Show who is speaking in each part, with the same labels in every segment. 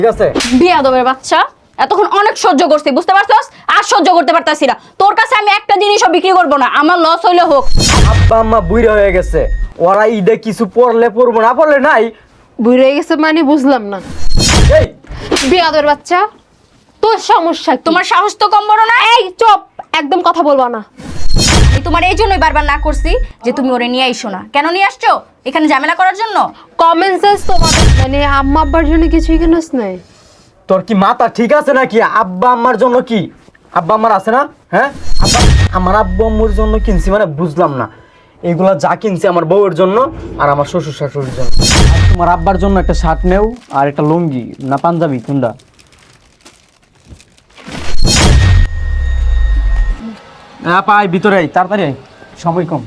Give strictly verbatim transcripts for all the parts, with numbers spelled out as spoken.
Speaker 1: ঠিক আছে
Speaker 2: বিয়াদবের বাচ্চা এতক্ষণ অনেক সহ্য করছি বুঝতে পারছস আর সহ্য করতে পারতাছি না তোর কাছে আমি একটা জিনিসও বিক্রি করব না আমার লস হইলে হোক
Speaker 1: আব্বা আম্মা বুইড়া হয়ে গেছে ওরা ঈদে কিছু পড়লে পড়বো না পড়লে নাই
Speaker 3: বুড়ে গেছে মানে বুঝলাম না।
Speaker 1: এই
Speaker 3: বিয়াদের বাচ্চা তোর সমস্যা কি?
Speaker 2: তোমার সাহস তো কম বড় না
Speaker 3: এই চুপ, একদম কথা বলবা না।
Speaker 2: এই তোমার এই জন্যই বারবার না করছি যে তুমি ওরে নিয়ে আইসো না কেন নিয়ে আসছো এখানে ঝামেলা করার জন্য
Speaker 3: কমন সেন্স তোমার মানে আম্মা আব্বার জন্য কিছুই কিনস নাই?
Speaker 1: তোর কি মাথা ঠিক আছে নাকি আব্বা আম্মার জন্য কি আব্বা আম্মার আছে না হ্যাঁ আব্বা আমার আব্বু আম্মুর জন্য কিনছি মানে বুঝলাম না এগুলা যা কিনছি আমার বউয়ের জন্য আর আমার শ্বশুর শাশুড়ির জন্য আর তোমার আব্বার জন্য একটা শার্ট নেও আর একটা লুঙ্গি না পাঞ্জাবি কোনটা হ্যাঁ পাই ভিতরে আই তাড়াতাড়ি আই সময় কম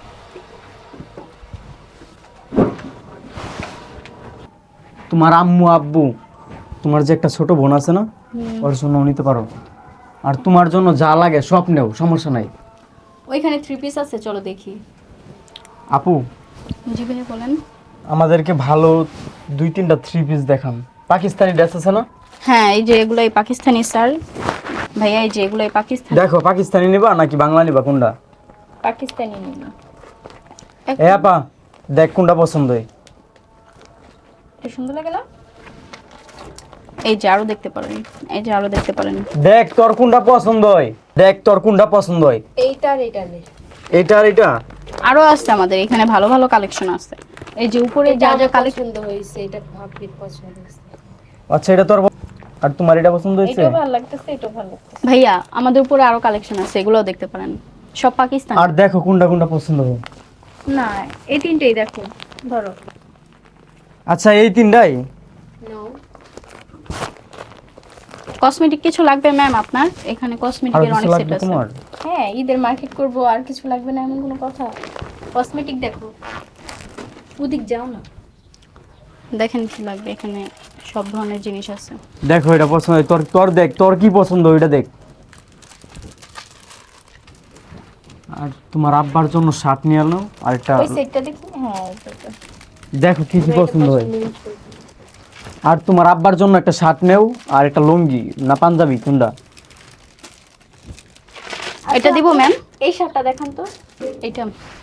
Speaker 1: তোমার আম্মু আব্বু তোমার যে একটা ছোট বোন আছে না ওর জন্য নিতে পারো আর তোমার জন্য যা লাগে সব নেও সমস্যা নাই
Speaker 2: ওইখানে থ্রি পিস আছে চলো দেখি
Speaker 1: আপু
Speaker 2: জি ভাই বলেন
Speaker 1: আমাদেরকে ভালো দুই তিনটা থ্রি পিস দেখান পাকিস্তানি ড্রেস আছে না
Speaker 2: হ্যাঁ এই যে এগুলাই পাকিস্তানি স্যার ভাইয়া এই যে এগুলাই পাকিস্তানি
Speaker 1: দেখো পাকিস্তানি নিবা নাকি বাংলা নিবা কোনটা
Speaker 2: পাকিস্তানি নিন
Speaker 1: এ আপা দেখ কোনটা পছন্দ হয়
Speaker 2: এটা সুন্দর লাগে না এই যে আরো দেখতে পারেন এই যে আরো দেখতে পারেন
Speaker 1: দেখ তোর কোনটা পছন্দ হয় দেখ তোর কোনটা পছন্দ হয়
Speaker 3: এইটা আর এইটা নে।
Speaker 1: এটা আর এটা
Speaker 2: আরো আছে আমাদের এখানে ভালো ভালো কালেকশন আছে এই যে উপরে যা যা কালেকশন
Speaker 3: পছন্দ হইছে, এটা ভাবির পছন্দ হইছে।
Speaker 1: আচ্ছা এটা তোর প- আর তোমার এটা পছন্দ হয়েছে
Speaker 3: এটাও ভালো লাগতেছে, এটাও ভালো লাগতেছে।
Speaker 2: ভাইয়া আমাদের উপরে আরো কালেকশন আছে এগুলোও দেখতে পারেন সব পাকিস্তান
Speaker 1: আর দেখো কোনটা কোনটা পছন্দ হয়
Speaker 2: না এই তিনটেই দেখো ধরো
Speaker 1: আচ্ছা এই তিনটাই
Speaker 3: নাও।
Speaker 2: কসমেটিক কিছু লাগবে ম্যাম আপনার এখানে
Speaker 1: আর
Speaker 2: কসমেটিকের
Speaker 1: কিছু
Speaker 2: অনেক সেট
Speaker 1: লাগবে
Speaker 2: আছে
Speaker 1: তোমার
Speaker 2: হ্যাঁ ঈদের মার্কেট করব আর কিছু লাগবে না এমন কোনো কথা কসমেটিক দেখো ওদিক যাও না দেখেন কি লাগবে এখানে সব ধরনের জিনিস আছে
Speaker 1: দেখো এটা পছন্দ হয় তোর তোর দেখ তোর কি পছন্দ ওইটা দেখ আর তোমার আব্বার জন্য শার্ট নিয়ে আনো আর একটা
Speaker 2: ওই সেটটা দেখি হ্যাঁ ওইটা
Speaker 1: দেখো কি কি পছন্দ হয় আর তোমার আব্বার জন্য একটা শার্ট নেও আর একটা লুঙ্গি না পাঞ্জাবি কোনটা
Speaker 2: এটা দিব ম্যাম এই শার্টটা দেখান তো এটা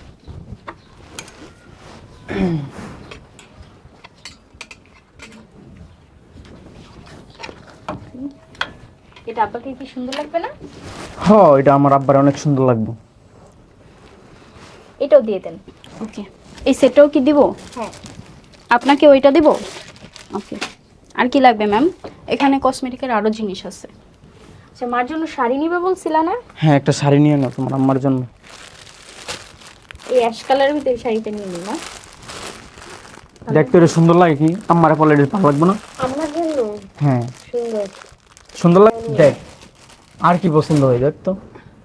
Speaker 2: এটা আপনাকে কি সুন্দর লাগবে না
Speaker 1: হ্যাঁ এটা আমার আব্বার অনেক সুন্দর লাগবে
Speaker 2: এটাও দিয়ে দেন ওকে এই সেটটাও কি দিব হ্যাঁ আপনাকে ওইটা দিব ওকে আর কি লাগবে ম্যাম এখানে কসমেটিকের আরো জিনিস আছে আচ্ছা মার জন্য শাড়ি নিবে বলছিলা না
Speaker 1: হ্যাঁ একটা শাড়ি নিয়ে নাও তোমার আম্মার জন্য
Speaker 2: এই অ্যাশ কালারের ভিতরে শাড়িটা নিয়ে নিন না
Speaker 1: দেখতে এটা সুন্দর লাগে কি আমার পলে এটা ভালো লাগবে না
Speaker 3: আমার জন্য
Speaker 1: হ্যাঁ
Speaker 3: সুন্দর।
Speaker 1: সুন্দর লাগে দেখ আর কি পছন্দ হয় দেখ তো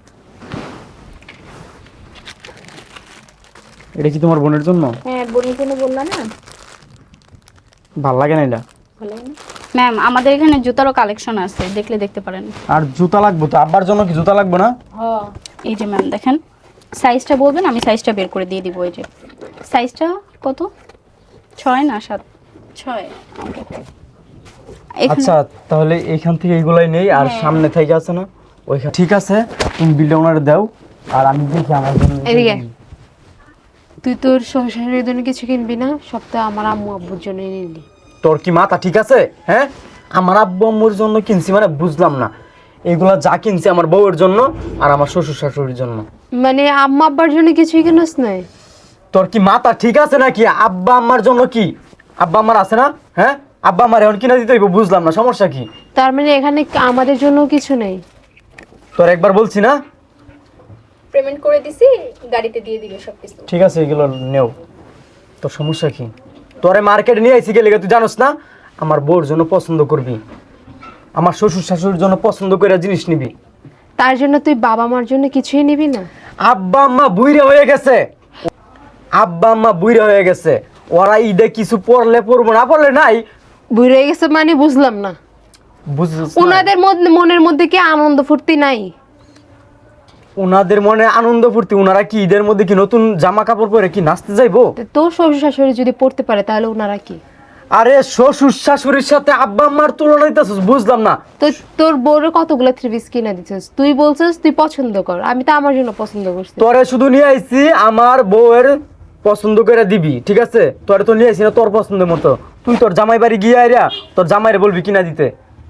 Speaker 1: এটা কি তোমার বোনের জন্য
Speaker 2: হ্যাঁ বোনের জন্য বললা না
Speaker 1: ভাল লাগে না এটা
Speaker 2: ভালো না ম্যাম আমাদের এখানে জুতারও কালেকশন আছে দেখলে দেখতে পারেন
Speaker 1: আর জুতা লাগবে তো আব্বার জন্য কি জুতা লাগবে না
Speaker 2: হ্যাঁ এই যে ম্যাম দেখেন সাইজটা বলবেন আমি সাইজটা বের করে দিয়ে দিব এই যে সাইজটা কত ছয় না সাত ছয় এখানে-
Speaker 1: আচ্ছা তাহলে এইখান থেকে এইগুলাই নেই আর সামনে থেকে আছে না ওইখানে ঠিক আছে তুমি বিলটা ওনারে দাও আর আমি দেখি আমার জন্য
Speaker 3: এদিকে। তুই তোর সংসারের জন্য কিছু কিনবি না, সব তো আমার আম্মু আব্বুর জন্য নিলি।
Speaker 1: তোর কি মাথা ঠিক আছে হ্যাঁ আমার আব্বু আম্মুর জন্য কিনছি মানে বুঝলাম না এগুলা যা কিনছি আমার বউয়ের জন্য আর আমার শ্বশুর শাশুড়ির জন্য
Speaker 3: মানে আম্মা আব্বার জন্য কিছুই কিনস নাই?
Speaker 1: তোর কি মাথা ঠিক আছে নাকি আব্বা আম্মার জন্য কি আব্বা আম্মার আছে না হ্যাঁ আব্বা আমার এখন কিনা দিতে হইব বুঝলাম না সমস্যা কি
Speaker 3: তার মানে এখানে আমাদের জন্য কিছু নেই?
Speaker 1: তোর একবার বলছি না
Speaker 2: পেমেন্ট করে দিছি গাড়িতে দিয়ে দিবে সব কিছু
Speaker 1: ঠিক আছে এগুলো নেও তোর সমস্যা কি তোরে মার্কেটে নিয়ে আইছি গেলে তুই জানোস না আমার বউর জন্য পছন্দ করবি আমার শ্বশুর শাশুড়ির জন্য পছন্দ করে জিনিস নিবি
Speaker 3: তার জন্য তুই বাবা মার জন্য কিছুই নিবি না?
Speaker 1: আব্বা আম্মা বুইড়া হয়ে গেছে আব্বা আম্মা বুইড়া হয়ে গেছে ওরা ঈদে কিছু পড়লে পড়বো না পড়লে নাই
Speaker 3: বুড়ে গেছে মানে বুঝলাম না।
Speaker 1: বুঝছিস না?
Speaker 3: ওনাদের মধ্যে মনের মধ্যে কি আনন্দ ফুর্তি নাই?
Speaker 1: ওনাদের মনে আনন্দ ফুর্তি ওনারা কি ঈদের মধ্যে কি নতুন জামা কাপড় পরে কি নাচতে যাইবো
Speaker 3: তো তোর শ্বশুর শাশুড়ি যদি পড়তে পারে তাহলে ওনারা কি?
Speaker 1: আরে শ্বশুর শাশুড়ির সাথে আব্বা আম্মার তুলনা দিতেছিস, বুঝলাম না।
Speaker 3: তো তোর বউরে কতগুলো থ্রি পিস কিনে দিছিস, তুই বলছিস তুই পছন্দ কর, আমি তো আমার জন্য পছন্দ করছি।
Speaker 1: তোরে শুধু নিয়ে আইছি আমার বউয়ের পছন্দ করে দিবি, ঠিক আছে? তোরে তো নিয়ে আইছি না তোর পছন্দের মতো। তুই তোর জামাই বাড়ি গিয়ে আইরা তোর জামাইরে বলবি কিনা দিতে,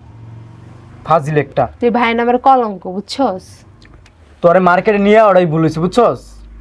Speaker 1: ফাজিল একটা।
Speaker 3: তুই ভাই নামের কলঙ্ক, বুঝছস?
Speaker 1: তোরে মার্কেটে নিয়ে ওরাই বলেছি, বুঝছস?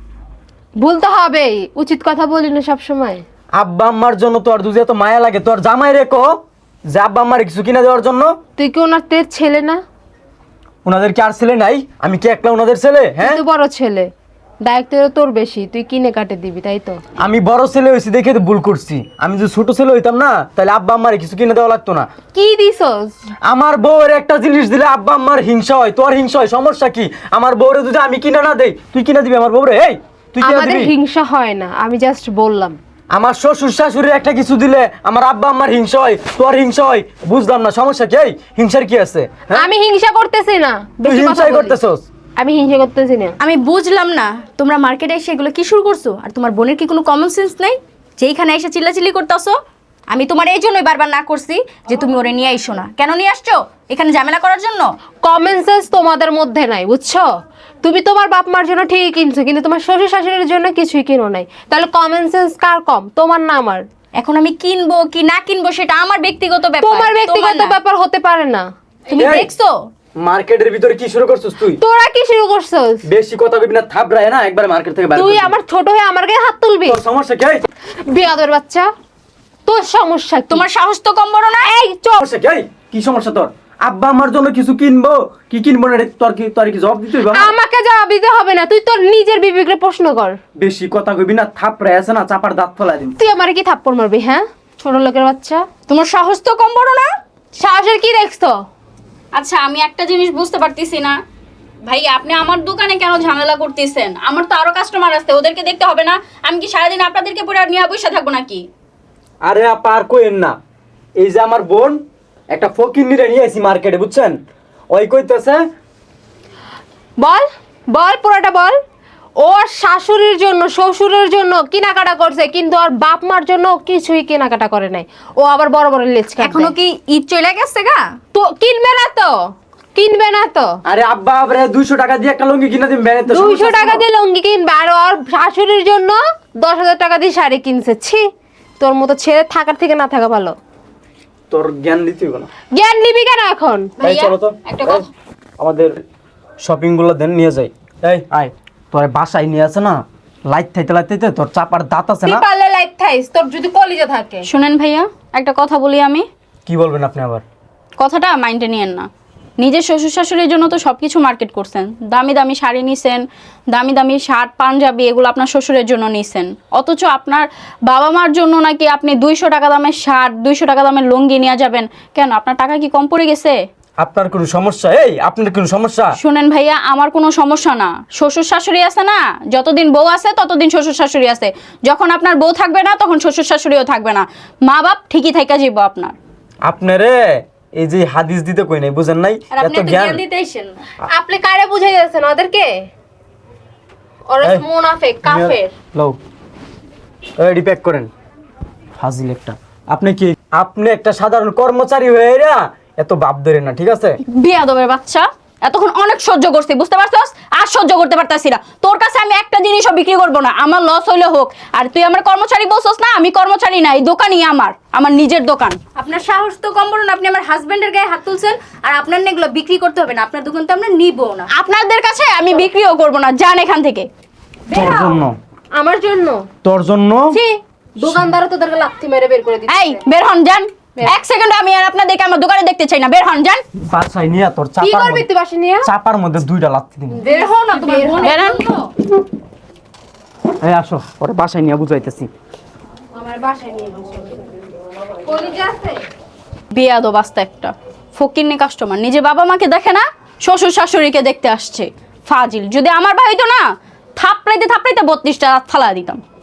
Speaker 3: ভুলতে হবে, উচিত কথা বলি না সব সময়।
Speaker 1: আব্বা আম্মার জন্য তোর দুধে এত মায়া লাগে, তোর জামাই রে কো যে আব্বা আম্মার কিছু কিনা দেওয়ার জন্য।
Speaker 3: তুই কি ওনার তের ছেলে না?
Speaker 1: ওনাদের কি আর ছেলে নাই? আমি কি একলা ওনাদের ছেলে? হ্যাঁ,
Speaker 3: তুই বড় ছেলে, দায়িত্ব তোর বেশি, তুই কিনে কাটে দিবি, তাই তো?
Speaker 1: আমি বড় ছেলে হয়েছি দেখে তো ভুল করছি। আমি যদি ছোট ছেলে হইতাম না তাহলে আব্বা আম্মার কিছু কিনে দেওয়া লাগতো না।
Speaker 3: কি দিছস?
Speaker 1: আমার বউয়ের একটা জিনিস দিলে আব্বা আম্মার হিংসা হয়, তোর হিংসা হয়, সমস্যা কি? আমার বউরে যদি আমি কিনা না দেই তুই কিনা দিবি আমার বউরে? এই তুই কিনা
Speaker 3: আমাদের
Speaker 1: দিবি?
Speaker 3: হিংসা হয় না, আমি জাস্ট বললাম।
Speaker 1: আমার শ্বশুর শাশুড়ি একটা কিছু দিলে আমার আব্বা আম্মার হিংসা হয়, তোর হিংসা হয়, বুঝলাম না সমস্যা কি? এই হিংসার কি আছে? হ্যাঁ?
Speaker 3: আমি হিংসা করতেছি না,
Speaker 1: তুই
Speaker 3: বেশি কথা
Speaker 1: হিংসাই
Speaker 3: বলিস।
Speaker 1: করতেছস।
Speaker 3: আমি হিংসা করতেছি না।
Speaker 2: আমি বুঝলাম না, তোমরা মার্কেটে এসে এগুলো কি শুরু করছো? আর তোমার বোনের কি কোনো কমন সেন্স নাই যে এইখানে এসে চিল্লাচিল্লি করতেছো? আমি তোমার এই জন্যই বারবার না করছি যে তুমি ওরে নিয়ে আইসো না। কেন নিয়ে আসছো? এখানে ঝামেলা করার জন্য?
Speaker 3: কমন সেন্স তোমাদের মধ্যে নাই, বুঝছো? তুমি তোমার বাপ মার জন্য ঠিকই কিনছো, কিন্তু তোমার শ্বশুর শাশুড়ির জন্য কিছুই কিনো নাই। তাহলে কমন সেন্স কার কম, তোমার না আমার?
Speaker 2: এখন আমি কিনবো কি না কিনবো সেটা আমার ব্যক্তিগত ব্যাপার,
Speaker 3: তোমার ব্যক্তিগত
Speaker 2: না।
Speaker 3: ব্যাপার হতে পারে না।
Speaker 2: তুমি
Speaker 1: এই,
Speaker 2: দেখছো
Speaker 1: মার্কেটের ভিতরে কি শুরু করছিস তুই?
Speaker 3: তোরা কি শুরু করছস?
Speaker 1: বেশি কথা কইবি না, থাপড়ায় না একবার মার্কেট থেকে বাইরে
Speaker 3: তুই
Speaker 1: করে দিবি।
Speaker 3: আমার ছোট হয়ে আমার গায়ে হাত তুলবি?
Speaker 1: তোর সমস্যা কি? এই,
Speaker 3: বিয়াদর বাচ্চা, তোর সমস্যা কি?
Speaker 2: তোমার সাহস তো কম বড় না।
Speaker 3: এই চুপ।
Speaker 1: সমস্যা কি? এই, কি সমস্যা তোর? আব্বা আমার জন্য কিছু কিনবো কি কিনবো না, এটা তোর কি তোর কি জবাব দিতে হইবে আমার?
Speaker 3: আমাকে জবাব দিতে হবে না, তুই তোর নিজের বিবেকরে প্রশ্ন কর।
Speaker 1: বেশি কথা কইবি না, থাপড়ায় আছে না চাপার দাঁত ফেলাই দিবি।
Speaker 3: তুই আমারে কি থাপ্পড় মারবি? হ্যাঁ, ছোট লোকের বাচ্চা,
Speaker 2: তোমার সাহস তো কম বড় না।
Speaker 3: সাহসের কি দেখছো?
Speaker 2: আচ্ছা, আমি একটা জিনিস বুঝতে পারতেছি না ভাই, আপনি আমার দোকানে কেন ঝামেলা করতেছেন? আমার তো আরো কাস্টমার আছে, ওদেরকে দেখতে হবে না? আমি কি সারাদিন আপনাদেরকে পুরো নিয়ে বসে থাকবো নাকি?
Speaker 1: আরে আপা আর কইেন না, এই যে আমার বোন একটা ফকির নিয়ে নিয়ে আইছি মার্কেটে, বুঝছেন? ওই কইতেছে
Speaker 3: বল বল, পুরোটা বল। ওর শাশুড়ির জন্য শ্বশুরের জন্য কেনাকাটা করছে, কিন্তু ওর বাপ মার জন্য কিছুই কেনাকাটা করে নাই। ও আবার বড় বড় লেজ কাটবে।
Speaker 2: এখনো কি ঈদ চলে গেছে গা?
Speaker 3: তো কিনবে না তো, কিনবে না তো।
Speaker 1: আরে আব্বা আবরে দুইশো টাকা দিয়ে একটা লুঙ্গি কিনে দিন ব্যানে তো
Speaker 3: দুইশো টাকা দিয়ে লুঙ্গি কিনবে, আর ওর শাশুড়ির জন্য দশ হাজার টাকা দিয়ে শাড়ি কিনছে। ছি, তোর মতো ছেলে থাকার থেকে না থাকা ভালো।
Speaker 1: তোর জ্ঞান দিতে হইব না।
Speaker 3: জ্ঞান নিবি কেন এখন?
Speaker 1: এই
Speaker 2: ভাইয়া,
Speaker 1: চলো তো,
Speaker 2: একটা
Speaker 1: এই,
Speaker 2: কথা।
Speaker 1: আমাদের শপিং গুলো দেন নিয়ে যাই। এই আয়, তোর বাসায় নিয়ে আছে না, লাইট থাইতে লাইতে তোর চাপার দাঁত আছে
Speaker 3: তুই
Speaker 1: না।
Speaker 3: পারলে লাইট থাইস, তোর যদি কলিজা থাকে।
Speaker 2: শুনেন ভাইয়া, একটা কথা বলি আমি।
Speaker 1: কি বলবেন আপনি আবার?
Speaker 2: কথাটা মাইন্ডে নিয়েন না। নিজের শ্বশুর শাশুড়ির জন্য তো সব কিছু মার্কেট করছেন, দামি দামি শাড়ি নিছেন, দামি দামি শার্ট পাঞ্জাবি, এগুলো আপনার শ্বশুরের জন্য নিছেন। অথচ আপনার বাবা মার জন্য নাকি আপনি দুইশো টাকা দামের শার্ট, দুইশো টাকা দামের লুঙ্গি নিয়ে যাবেন কেন? আপনার টাকা কি কম পড়ে গেছে?
Speaker 1: আপনার কোনো সমস্যা? এই আপনার কোনো সমস্যা?
Speaker 2: শুনেন ভাইয়া, আমার কোনো সমস্যা না। শ্বশুর শাশুড়ি আছে না, যতদিন বউ আছে ততদিন শ্বশুর শাশুড়ি আছে। যখন আপনার বউ থাকবে না তখন শ্বশুর শাশুড়িও থাকবে না। মা বাপ ঠিকই থাইকা যাইব আপনার।
Speaker 1: আপনারে এই যে হাদিস দিতে কই নাই, বুঝেন নাই?
Speaker 2: আর আপনি
Speaker 1: এত
Speaker 2: তো
Speaker 1: জ্ঞান
Speaker 2: জ্ঞান দিতে আইছেন না।
Speaker 3: আপনি কারে বুঝাই যাচ্ছেন ওদেরকে? ওরা
Speaker 1: এই,
Speaker 3: মুনাফিক, কাফের।
Speaker 1: লও রেডি প্যাক করেন। ফাজিল একটা। আপনি কি আপনি একটা সাধারণ কর্মচারী হয়ে এরা এত ভাব ধরে না, ঠিক আছে?
Speaker 2: বিয়াদবের বাচ্চা, এতক্ষণ অনেক সহ্য করছি, বুঝতে পারছস? আর সহ্য করতে পারতাছি না। তোর কাছে আমি একটা জিনিসও বিক্রি করব না, আমার লস হইলে হোক। আর তুই আমার কর্মচারী বলছস না, আমি কর্মচারী না, এই দোকানই আমার, আমার নিজের দোকান। আপনার সাহস তো কম বড় না, আপনি আমার হাজবেন্ডের গায়ে হাত তুলছেন। আর আপনার না এগুলো বিক্রি করতে হবে না, আপনার দোকান তো আমরা নিবো না। আপনাদের কাছে আমি বিক্রিও করব না, যান এখান থেকে।
Speaker 1: তোর জন্য,
Speaker 3: আমার জন্য?
Speaker 1: তোর জন্য
Speaker 3: ছি, দোকানদার তোদেরকে লাথি মেরে বের করে দিচ্ছে।
Speaker 2: এই বের হন, যান। এক সেকেন্ড আমি আর আপনাদেরকে আমার দোকানে দেখতে চাই না, বের হন, যান।
Speaker 1: বাসায় নিয়ে তোর
Speaker 3: কি
Speaker 1: চাপার
Speaker 3: করবি
Speaker 1: মধ্যে
Speaker 3: তুই বাসা নিয়ে?
Speaker 1: চাপার মধ্যে দুইটা লাথি দিবি।
Speaker 3: বের হও না, তোমার বোন
Speaker 2: বের হন।
Speaker 1: এই আসো, ওরে বাসায় নিয়ে বুঝাইতেছি।
Speaker 3: আমার বাসায় নিয়ে বসে। কলিজা আছে?
Speaker 2: বিয়াদব আস্তা একটা ফকিন্নি কাস্টমার, নিজে বাবা মাকে দেখে না, শ্বশুর শাশুড়িকে দেখতে আসছে। ফাজিল। যদি আমার ভাই তো না, থাপড়াইতে থাপড়াইতে বত্রিশটা ফালা দিতাম।